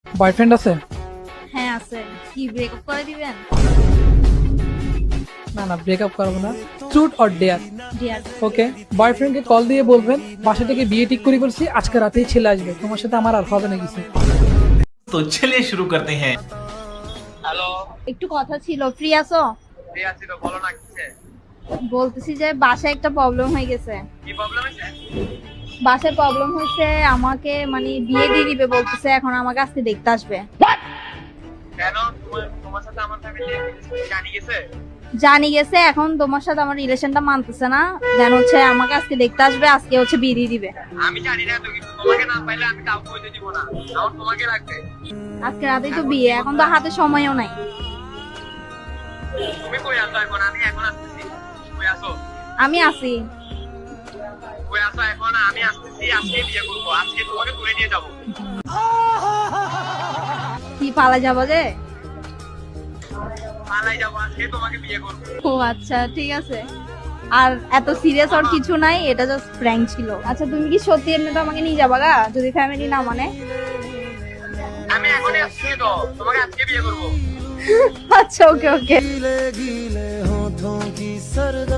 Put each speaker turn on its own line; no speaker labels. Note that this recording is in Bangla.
বয়ফ্রেন্ড আছে?
হ্যাঁ আছে। কি ব্রেকআপ করে দিবেন?
না না, ব্রেকআপ করবো না। Truth or dare?
Dear.
Okay, বয়ফ্রেন্ডকে কল দিয়ে বলবেন বাসা থেকে বিয়ে ঠিক করে বলছি, আজকে রাতেই ছেলে আসবে, তোমার সাথে আমার আর হবে না কিছু।
तो चलिए शुरू करते हैं।
হ্যালো,
একটু কথা ছিল, ফ্রি আছো?
ফ্রি আছি তো, বলো না কিসে?
বলতেছি যে বাসায় একটা প্রবলেম হয়ে গেছে।
কি প্রবলেম হয়েছে?
বাসায় প্রবলেম হয়েছে, আমাকে মানে বিয়ে দিয়ে দিবে বলতেছে, এখন আমাকে আজকে দেখতে আসবে।
কেন তোমার সাথে আমার ফ্যামিলি জানি গেছে?
জানি গেছে, এখন তোমার সাথে আমার রিলেশনটা মানতেছে না, দেন হচ্ছে আমাকে আজকে দেখতে আসবে, আজকে হচ্ছে বিয়ে দিয়ে দিবে।
আমি জানি না তো কিছু, তোমাকে না পাইলে আমি কাউকে হইতে দিব না, আমার তোমাকে লাগবে।
আজকে রাতেই তো বিয়ে, এখন তো হাতে সময়ও নাই।
তুমি কই আছো এখন? আমি এখন আসতেছি। কই আছো?
আমি আছি।
কই আছো এখন? আমি আসতেছি, আজকে বিয়ে করবো, আজকে তোমাকে তুলে নিয়ে যাবো।
কি পালা যাবো যে?
পালাই যাবো, আজকে তোমাকে বিয়ে করবো।
ও আচ্ছা, ঠিক আছে। আর এত সিরিয়াস আর কিছু নাই, এটা জাস্ট প্র্যাঙ্ক ছিল। আচ্ছা তুমি কি সত্যি এমনিতে আমাকে নিয়ে যাবা গা, যদি ফ্যামিলি না মানে?
আমি এখনই আসছি তো, তোমাকে আজকে বিয়ে করবো।
আচ্ছা, ওকে ওকে।